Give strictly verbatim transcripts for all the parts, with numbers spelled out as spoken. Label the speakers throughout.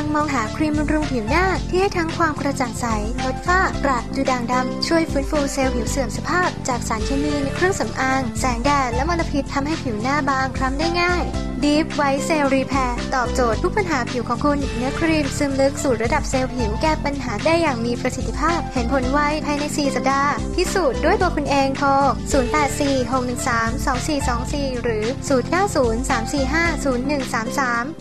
Speaker 1: งมองหาครีมบำรุงผิวหน้าที่ให้ทั้งความกระจ่างใสลดฝ้ากระดูด่างดำช่วยฟื้นฟูเซลล์ผิวเสื่อมสภาพจากสารเคมีในเครื่องสำอางแสงแดดและมลพิษทำให้ผิวหน้าบางคล้ำได้ง่าย Deep White Cell Repair ตอบโจทย์ทุกปัญหาผิวของคุณเนื้อครีมซึมลึกสู่ระดับเซลล์ผิวแก้ปัญหาได้อย่างมีประสิทธิภาพเห็นผลไวภายในสี่สัปดาห์พิสูจน์ด้วยตัวคุณเองโทรศูนย์ แปด สี่ หก หนึ่ง สาม สอง สี่ สอง สี่หรือศูนย์ เก้า ศูนย์ สาม สี่ ห้า ศูนย์ หนึ่ง สาม สาม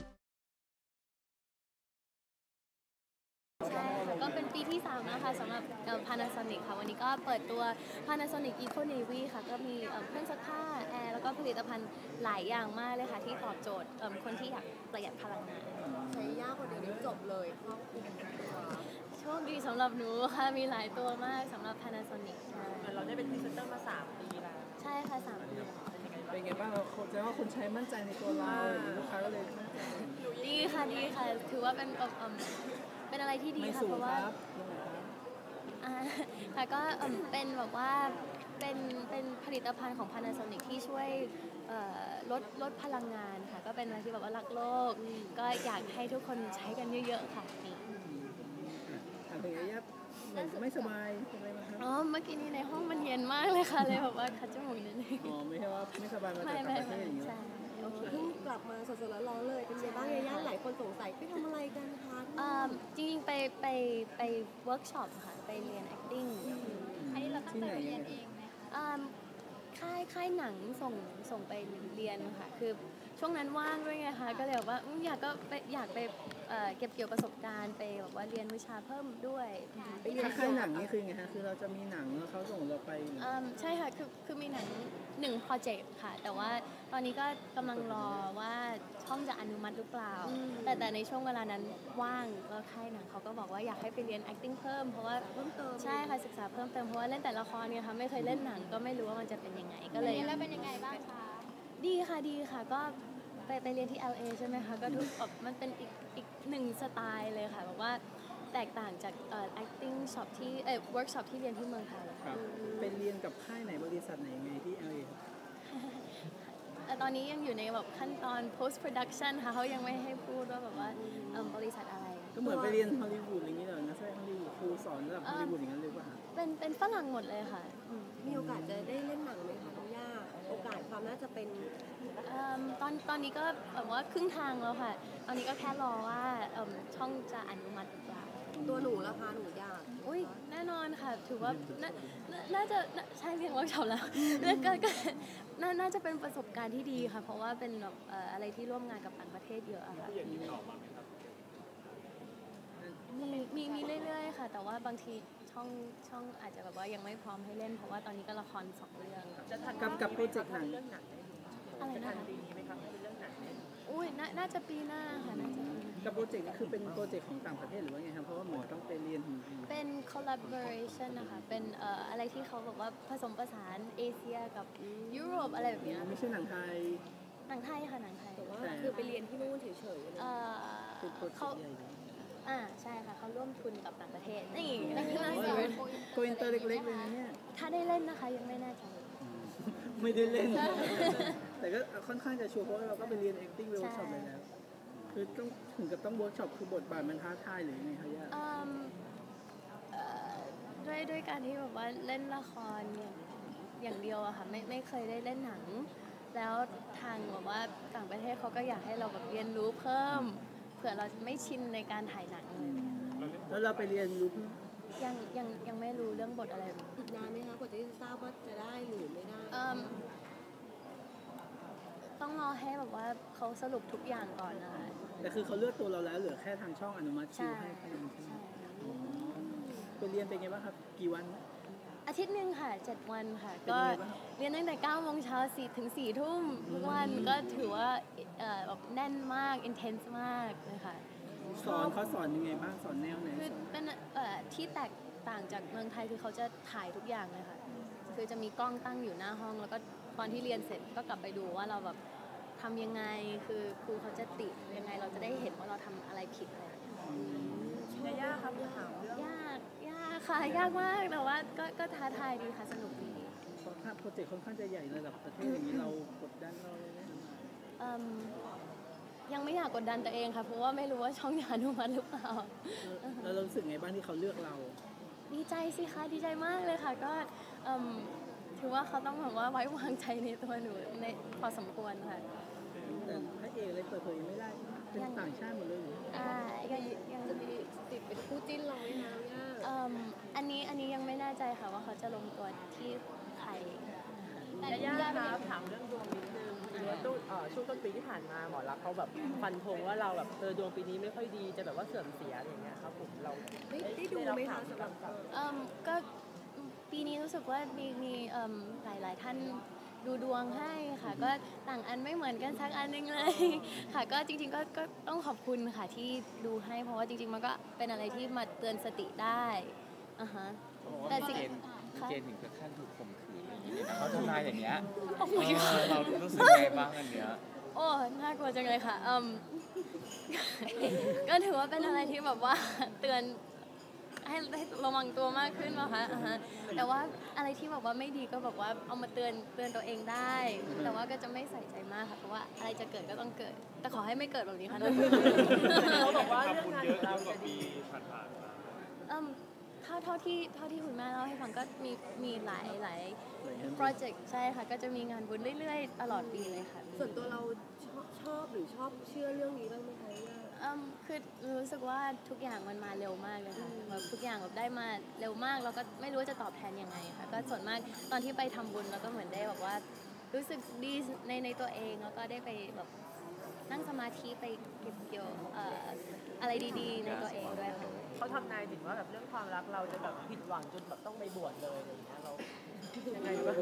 Speaker 2: ก็เป็นปีที่สามนะคะสำหรับ Panasonic ค่ะวันนี้ก็เปิดตัว Panasonic Eco Navy ค่ะก็มีเครื่องซักผ้าแอร์แล้วก็ผลิตภัณฑ์หลายอย่างมากเลยค่ะที่ตอบโจทย์คนที่อยากประหยัดพลังงาน
Speaker 3: ใช้ยากกว่าเดี๋ยวนี้จบเลยครอบคลุม
Speaker 2: โชคดีสำหรับหนูค่ะมีหลายตัวมากสำหรับ Panasonic ใช่
Speaker 3: เราได้เป็นพรีเซนเตอร์มาสามปีแล้ว
Speaker 2: ใช่ค่ะสามปี
Speaker 4: เป็นไงบ้างเราแสดงว่าคนใช้มั่นใจในตัวเราลูกค้าก็เลย
Speaker 2: ดีค่ะดีค่ะถือว่าเป็นเป็นอะไรที่ดีค่ะเพราะว่าค่ะก็เป็นแบบว่าเป็นเป็นผลิตภัณฑ์ของ Panasonic ที่ช่วยลดลดพลังงานค่ะก็เป็นอะไรที่แบบว่ารักโลกก็อยากให้ทุกคนใช้กันเยอะๆค่ะนี่
Speaker 4: ถามถึงระยะเหมือนไม่สบายอะไรไหมครับ
Speaker 2: อ๋อเมื่อกี้นี้ในห้องมันเย็นมากเลยค่ะเลยแบบว่าคัดจมูกนิดนึง
Speaker 4: อ๋อไม่ใช่ว่าไม่สบายมาจากต่างประเทศอย่างเงี้ย
Speaker 3: เพิ่งกลับมาสดๆร้อนๆเลยเป็นไงบ้างย่าหลายคนสงสัยไปทำอะไรกันคะ
Speaker 2: จริงๆไปไปไปเวิร์กช็อปค่ะไปเรียน acting
Speaker 3: อันนี้เราตั้งใจเรียนเองไหมคะ
Speaker 2: ค่ายค่ายหนังส่งส่งไปเรียนค่ะคือช่วงนั้นว่างด้วยไงคะก็เลยแบบว่าอยากก็ไปอยากไปเก็บเกี่ยวประสบการณ์ไปแบบว่าเรียนวิชาเพิ่มด้วย
Speaker 4: ไปเรียนค่ายหนังนี่คือไงคะคือเราจะมีหนังแล้วเขาส่งเราไป
Speaker 2: ใช่ค่ะคือคือมีหนังหนึ่งโปรเจกต์ค่ะแต่ว่าตอนนี้ก็กำลังรอว่าช่องจะอนุมัติหรือเปล่าแต่แต่ในช่วงเวลานั้นว่างก็ค่ายหนังเขาก็บอกว่าอยากให้ไปเรียน acting เพิ่มเพราะว่า
Speaker 3: เพิ่มเติม
Speaker 2: ใช่ค่ะศึกษาเพิ่มเติมเพราะว่าเล่นแต่ละครเนี่ยค่ะไม่เคยเล่นหนังก็ไม่รู้ว่ามันจะเป็นยังไงก็เลย
Speaker 3: แล้วเป็นยังไงบ้างคะ
Speaker 2: ดีค่ะดีค่ะก็ไปไปเรียนที่ แอล เอ ใช่ไหมคะก็ทุกแบบมันเป็นอีกอีกหนึ่งสไตล์เลยค่ะแบบว่าแตกต่างจากเอ่อ acting shop ที่เอ่อ workshop ที่เรียนที่เมืองไทย
Speaker 4: ครับไปเรียนกับค่ายไหนบริษัทไหนไงที่ แอล เอ
Speaker 2: ตอนนี้ยังอยู่ในแบบขั้นตอน post production ค่ะเขายังไม่ให้พูดว่าแบบว่าบริษัทอะไร
Speaker 4: ก็เหมือนไปเรียนฮอลลีวูดอย่างนี้เลยนะใช่ฮอลลีวูดครูสอนระดับฮอลลีวูดอย่างนั้นเลยป่ะ
Speaker 2: เป็นเป็นฝรั่งหมดเลยค่ะ
Speaker 3: มีโอกาสจะได้เล่นหนังไหมคะน้องย่าโอกาสความน่าจะเป็น
Speaker 2: ตอนตอนนี้ก็แบบว่าครึ่งทางแล้วค่ะตอนนี้ก็แค่รอว่าช่องจะอนุมัติหรือเปล่า
Speaker 3: ตัวหนูราคาหนูยาก
Speaker 2: อุ้ยแน่นอนค่ะถือว่าน่าจะใช่เรียนเวิร์กช็อปแล้วแล้วก็น่าจะเป็นประสบการณ์ที่ดีค่ะเพราะว่าเป็นแบบอะไรที่ร่วมงานกับต่างประเทศเยอะอะค่ะมีมีมีเรื่อยๆค่ะแต่ว่าบางทีช่องช่องอาจจะแบบว่ายังไม่พร้อมให้เล่นเพราะว่าตอนนี้ก็ละครสองเรื่อง
Speaker 4: กับกับโปรเจกต์หนัง
Speaker 2: อะไรนะคะอุ้ยน่าจะปีหน้าค่ะน่าจะ
Speaker 4: กับโปรเจกต์นี่คือเป็นโปรเจกต์ของต่างประเทศหรือว่าไงครับเพราะว่าเหมือนต้องไปเรียน
Speaker 2: เป็น collaboration นะคะเป็นเอ่ออะไรที่เขาบอกว่าผสมผสานเอเชียกับยุโรปอะไรแบบนี้
Speaker 4: ไม่ใช่หนังไทย
Speaker 2: หนังไทยค่ะหนังไทย
Speaker 3: แต่ว่าคือไปเรียนที่นู่นเฉยๆ
Speaker 2: เออเขาอ่าใช่ค่ะเขาร่วมทุนกับต่างประเทศนี่นั่นคือน่าสน
Speaker 4: โกอินเตอร์เล็กๆเลยเนี่ย
Speaker 2: ถ้าได้เล่นนะคะยังไม่แน่ใจ
Speaker 4: ไม่ได้เล่นแต่ก็ค่อนข้างจะชัวร์เพราะเราก็ไปเรียน acting workshop ไปแล้วคือต้องถึงกับต้อง workshop คือบทบาทมันท้าทายหรือไงคะย่า
Speaker 2: ด้วยด้วยการที่แบบว่าเล่นละครอย่างอย่างเดียวอะค่ะไม่ไม่เคยได้เล่นหนังแล้วทางแบบว่าต่างประเทศเขาก็อยากให้เราแบบเรียนรู้เพิ่มเผื่อเราไม่ชินในการถ่ายหนังเลย
Speaker 4: แล้วเราไปเรียนรู้
Speaker 2: ยังยังยังไม่รู้เรื่องบทอะไร
Speaker 3: อีกนานไหมคะกว่าจะทราบว่าจะได้หรือไม่ได้
Speaker 2: ต้องรอให้แบบว่าเขาสรุปทุกอย่างก่อนนะคะ
Speaker 4: แต่คือเขาเลือกตัวเราแล้วเหลือแค่ทางช่องอนุมัติคิวให้แค่นั้นใช่ไหมไปเรียนเป็นไงบ้างครับกี่วัน
Speaker 2: อาทิตย์หนึ่งค่ะเจ็ดวันค่ะก็เรียนตั้งแต่เก้าโมงเช้าสี่ถึงสี่ทุ่มทุกวันก็ถือว่าแบบแน่นมาก intense มากเลยค่ะ
Speaker 4: สอนเขาสอนยังไงบ้างสอนแนวไหน
Speaker 2: คือเป็นที่แตกต่างจากเมืองไทยคือเขาจะถ่ายทุกอย่างเลยค่ะคือจะมีกล้องตั้งอยู่หน้าห้องแล้วก็ตอนที่เรียนเสร็จก็กลับไปดูว่าเราแบบทำยังไงคือครูเขาจะติยังไงเราจะได้เห็นว่าเราทำอะไรผิดอะไร
Speaker 3: ยากครับถามเรื่อง
Speaker 2: ยากยากค่ะยากมากแต่ว่าก็ก็ท้าทายดีค่ะสนุกดี
Speaker 4: เพราะถ้าโปรเจกต์ค่อนข้างจะใหญ่ระดับประเทศอย่างนี้เรากดดันเราเลยไหม
Speaker 2: ยังไม่อยากกดดันตัวเองค่ะเพราะว่าไม่รู้ว่าช่องจะอนุมัติหรือเปล่า
Speaker 4: แล้วเรารู้สึกไงบ้างที่เขาเลือกเรา
Speaker 2: ดีใจสิคะดีใจมากเลยค่ะก็เอิ่มถือว่าเขาต้องแบบว่าไว้วางใจในตัวหนูในพอสมควรค่ะ
Speaker 4: แต่พระเอกอะไรเปิดเผยไม่ได้เป็นต่างชาติหมดเลยเหรอ
Speaker 2: อ่ายังยัง
Speaker 3: จะมีติดเป็นคู่จิ้นเราไหมคะย่า
Speaker 2: เอิ่มอันนี้อันนี้ยังไม่แน่ใจค่ะว่าเขาจะลงตัวที่ใคร
Speaker 5: แต่ย่าครับถามเรื่องดวงนิดนึงคือว่าต้นเอ่อช่วงต้นปีที่ผ่านมาหมอรักษณ์เขาแบบฟันธงว่าเราแบบเออดวงปีนี้ไม่ค่อยดีจะแบบว่าเสื่อมเสียอะไรอย่างเงี้ยครับผมเรา
Speaker 3: ได้ได้ดูไหมคะสำหรับ
Speaker 2: เอิ่มก็ปีนี้รู้สึกว่ามีมีเอิ่มหลายหลายท่านดูดวงให้ค่ะก็ต่างอันไม่เหมือนกันสักอันหนึงเลย ค่ะก็จริงๆก็ก็ต้องขอบคุณค่ะที่ดูให้เพราะว่าจริงๆมันก็เป็นอะไรที่มาเตือนสติได้อ่าฮะแต่สิ่ง
Speaker 6: เกณฑ์ถึงกับขั้นถูกข่มขืนอะไรอย่างเงี้ยนะเขาทำนายอย่างเงี้ย
Speaker 2: โอ้โห
Speaker 6: เออเรารู้สึกไงบ้างอันเนี้ย
Speaker 2: โอ้น่ากลัวจังเลยค่ะอืม ก็ถือว่าเป็นอะไรที่แบบว่าเตือนให้ให้ระวังตัวมากขึ้นนะคะอ่าฮะแต่ว่าอะไรที่แบบว่าไม่ดีก็แบบว่าเอามาเตือนเตือนตัวเองได้ แต่ว่าก็จะไม่ใส่ใจมากค่ะเพราะว่าอะไรจะเกิดก็ต้องเกิด แต่ขอให้ไม่เกิดแบบนี้ค่ะ
Speaker 5: เขาบอกว่าเรื่องงานของเราจะดี
Speaker 2: อืมเท่าเท่าที่เท่าที่คุณแม่เล่าให้ฟังก็มีมีหลายหลายโปรเจกต์ใช่ค่ะก็จะมีงานบุญเรื่อยๆ ตลอดปีเลยค่ะ
Speaker 3: ส่วนตัวเราชอบชอบหรือชอบเชื่อเรื่องนี้บ้างไหมคะย่า
Speaker 2: อืมคือรู้สึกว่าทุกอย่างมันมาเร็วมากเลยค่ะแบบทุกอย่างแบบได้มาเร็วมากแล้วก็ไม่รู้ว่าจะตอบแทนยังไงค่ะก็ส่วนมากตอนที่ไปทำบุญแล้วก็เหมือนได้แบบว่ารู้สึกดีในในตัวเองแล้วก็ได้ไปแบบนั่งสมาธิไปเก็บเกี่ยวเอ่ออะไรดีๆ ในตัวเองด้วยค่ะ
Speaker 5: เขาทำนายถึงว่าแบบเรื่องความรักเราจะแบบผิดหวังจนแบบต้องไปบวชเลยอะไรอย่างเงี้ยเรายังไงบ้าง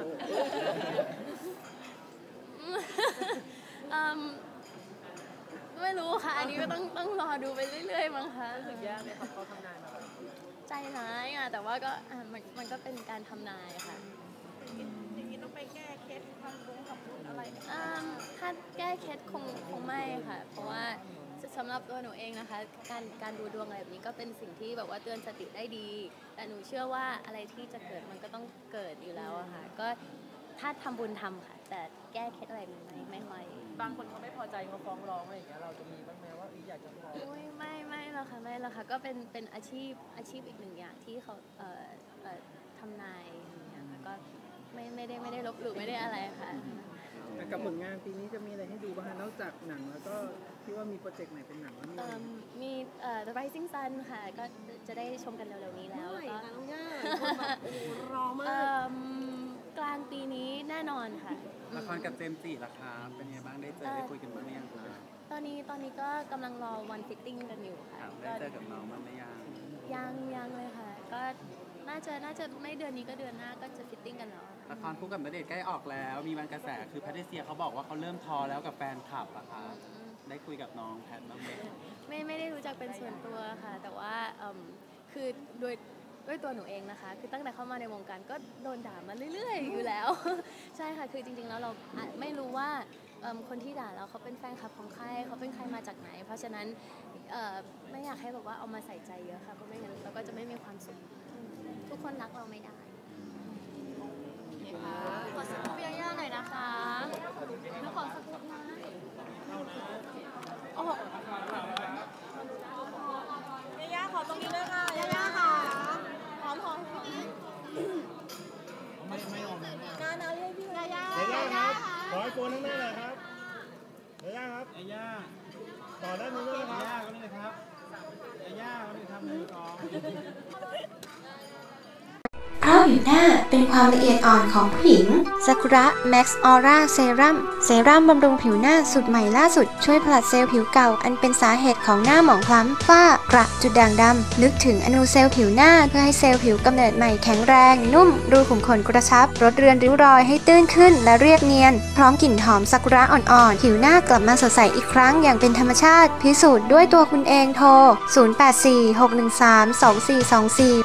Speaker 2: อืมไม่รู้ค่ะ อันนี้ก็ต้องต้องรอดูไปเรื่อยๆมั้งคะ
Speaker 5: รู้สึกยากไหมครับเขาทำนายมาแบบนี้
Speaker 2: ใจร้ายอ่ะแต่ว่าก็อ่ะมันมันก็เป็นการทำนายค่ะ
Speaker 5: อย่างนี้ต้องไปแก้เคล็ดทำบุญกับบุญอะไร
Speaker 2: อืมถ้าแก้เคล็ดคงคงไม่ค่ะ เพราะว่าสำหรับตัวหนูเองนะคะ การการดูดวงอะไรแบบนี้ก็เป็นสิ่งที่แบบว่าเตือนสติได้ดี แต่หนูเชื่อว่าอะไรที่จะเกิดมันก็ต้องเกิดอยู่แล้วอะค่ะ ก็ถ้าทำบุญทำค่ะ แต่แก้เคล็ดอะไรไม่ไม่ค่อย
Speaker 5: บางคนเขาไม่พอใจเขาฟ้องร้องอะไรอย่างเงี้ยเราจะมีบ้างไหมว่าอยากจะฟ้อง
Speaker 2: อุ้ยไม่ไม่หรอกค่ะไม่หรอกค่ะก็เป็นเป็นอาชีพอาชีพอีกหนึ่งอย่างที่เขาเอ่อเอ่อทำนายอย่างเงี้ยค่ะก็ไม่ไม่ได้ไม่ได้ลบหลู่ไม่ได้อะไรค่ะ
Speaker 4: แต่กับผลงานปีนี้จะมีอะไรให้ดูบ้างคะนอกจากหนังแล้วก็ที่ว่ามีโปรเจกต์ไหนเป็นหนังแล้วมี
Speaker 2: เอิ่มมีเอ่อ The Rising Sun ค่ะ ก็จะได้ชมกันเร็วๆนี้แล้ว
Speaker 3: เมื่อไหร่
Speaker 2: แล้วก็
Speaker 3: คะน้องย่าหลายคนแบบโอ้โหรอมา
Speaker 2: เอิ่
Speaker 3: ก
Speaker 2: มกลางปีนี้แน่นอนค่ะ
Speaker 6: ละครกับเจมส์จิล่ะครับเป็นไงบ้างได้เจอได้คุยกันบ้างหรือยังครับ
Speaker 2: ตอนนี้ตอนนี้ก็กำลังรอวันฟิตติ้งกันอยู่ค่ะ
Speaker 6: ครับ
Speaker 2: ก็
Speaker 6: ได้เจอกับน้องบ้างหรือยัง
Speaker 2: ยังยังเลยค่ะ ก็น่าจะน่าจะไม่เดือนนี้ก็เดือนหน้าก็จะฟิตติ้งกันแล้ว
Speaker 6: ละครคู่กับณเดชน์ใกล้ออกแล้ว มีวันกระแสคือแพทริเซียเขาบอกว่าเขาเริ่มทอแล้วกับแฟนคลับอะครับได้คุยกับน้องแพทบ้างไหม
Speaker 2: ไม่ไม่ได้รู้จักเป็นส่วนตัวค่ะ แต่ว่าเอิ่มคือโดยด้วยตัวหนูเองนะคะ คือตั้งแต่เข้ามาในวงการก็โดนด่ามาเรื่อยๆ อยู่แล้ว ใช่ค่ะคือจริงๆแล้วเราอาจไม่รู้ว่าเอิ่มคนที่ด่าเราเขาเป็นแฟนคลับของใครเขาเป็นใครมาจากไหน เพราะฉะนั้นเอ่อไม่อยากให้แบบว่าเอามาใส่ใจเยอะค่ะเพราะไม่งั้นเราก็จะไม่มีความสุขทุกคนรักเราไม่ได้ขอสกูปย่าๆหน่อยนะคะแล้วขอสกูปนะโอ้
Speaker 3: ย่าขอตรงนี้เลยค่ะย่าค่ะหอมหอมไม่ไม่หอมการเอาให้พี่ย่าย่า
Speaker 7: เดี๋ยวย่าครับ ขอให้โกนข้างหน้าหน่อยครับเดี๋ยวย่าครับ
Speaker 8: ไอ้ย่า
Speaker 7: ต่อด้านนี้ด้วยนะค
Speaker 8: ไอ้
Speaker 7: รับ
Speaker 8: ย่าก็นี่นะครับไอ้ย่าก็นี่ทำหนึ่งสอง
Speaker 1: เพราะผิวหน้าเป็นความละเอียดอ่อนของผู้หญิงซากุระแม็กซ์ออร่าเซรั่มเซรั่มบำรุงผิวหน้าสูตรใหม่ล่าสุดช่วยผลัดเซลล์ผิวเก่าอันเป็นสาเหตุของหน้าหมองคล้ำฝ้ากระจุดด่างดำนึกถึงอนูเซลล์ผิวหน้าเพื่อให้เซลล์ผิวกำเนิดใหม่แข็งแรงนุ่มรูขุมขนกระชับลดเรือนริ้วรอยให้ตื้นขึ้นและเรียบเนียนพร้อมกลิ่นหอมซากุระอ่อนๆผิวหน้ากลับมาสดใสอีกครั้งอย่างเป็นธรรมชาติพิสูจน์ด้วยตัวคุณเองโทรศูนย์ แปด สี่ หก หนึ่ง สาม สอง สี่ สอง สี่